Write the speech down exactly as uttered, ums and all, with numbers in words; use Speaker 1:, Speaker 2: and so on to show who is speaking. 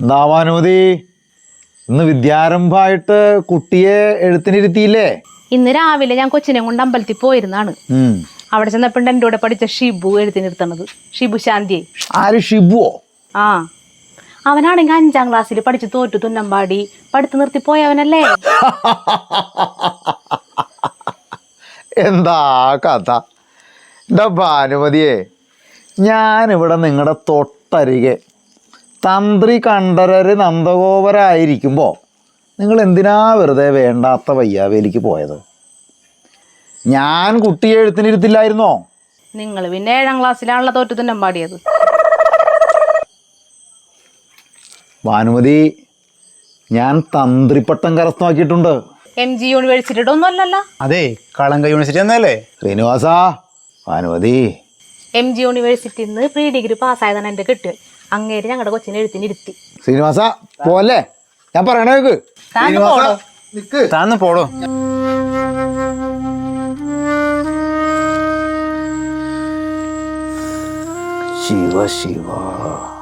Speaker 1: എന്താവാനുമതി ഇന്ന് വിദ്യാരംഭമായിട്ട് കുട്ടിയെ എഴുത്തിനിരുത്തിയില്ലേ?
Speaker 2: ഇന്ന് രാവിലെ ഞാൻ കൊച്ചിനെ കൊണ്ട് അമ്പലത്തിൽ പോയിരുന്നാണ്. അവിടെ ചെന്നപ്പോണ്ട് എൻ്റെ കൂടെ പഠിച്ച ഷിബു എഴുത്തിനിരുത്തണത്. ഷിബു ശാന്തിയെ.
Speaker 1: ആര് ഷിബുവോ?
Speaker 2: ആ, അവനാണെങ്കിൽ അഞ്ചാം ക്ലാസ്സിൽ പഠിച്ച് തോറ്റു തുന്നമ്പാടി പഠിത്ത് നിർത്തി പോയവനല്ലേ.
Speaker 1: എന്താ കഥ എൻ്റെ ഭാനുമതിയെ, ഞാനിവിടെ നിങ്ങളുടെ തൊട്ടരികെ തന്ത്രി കണ്ഠരര് നന്ദഗോപരായിരിക്കുമ്പോൾ നിങ്ങൾ എന്തിനാ വെറുതെ വേണ്ടാത്ത വയ്യാവേലിക്ക് പോയത്? ഞാൻ കുട്ടിയെ എഴുത്തിനിരുത്തില്ലായിരുന്നോ?
Speaker 2: നിങ്ങൾ പിന്നെ ഏഴാം ക്ലാസ്സിലാണല്ലോ തോറ്റു തുന്നമ്പാടിയത്.
Speaker 1: ഭാനുമതി, ഞാൻ തന്ത്രിപ്പട്ടം കരസ്ഥമാക്കിയിട്ടുണ്ട്.
Speaker 2: എം ജി യൂണിവേഴ്സിറ്റിയുടെ ഒന്നും അല്ലല്ലോ.
Speaker 3: അതെ, കളങ്ക യൂണിവേഴ്സിറ്റി എന്നല്ലേ?
Speaker 1: ശ്രീനിവാസ, ഭാനുമതി
Speaker 2: എം ജി യൂണിവേഴ്സിറ്റിയിൽ നിന്ന് പ്രീ ഡിഗ്രി പാസ്സായതാണ് എൻ്റെ കിട്ടുക. അങ്ങേര് ഞങ്ങളുടെ കൊച്ചിനെ എഴുത്തിനിരുത്തി.
Speaker 1: ശ്രീനിവാസ പോലെ ഞാൻ പറയണേക്ക്.
Speaker 3: താന്ന് പോടോ.
Speaker 1: ശിവ ശിവ.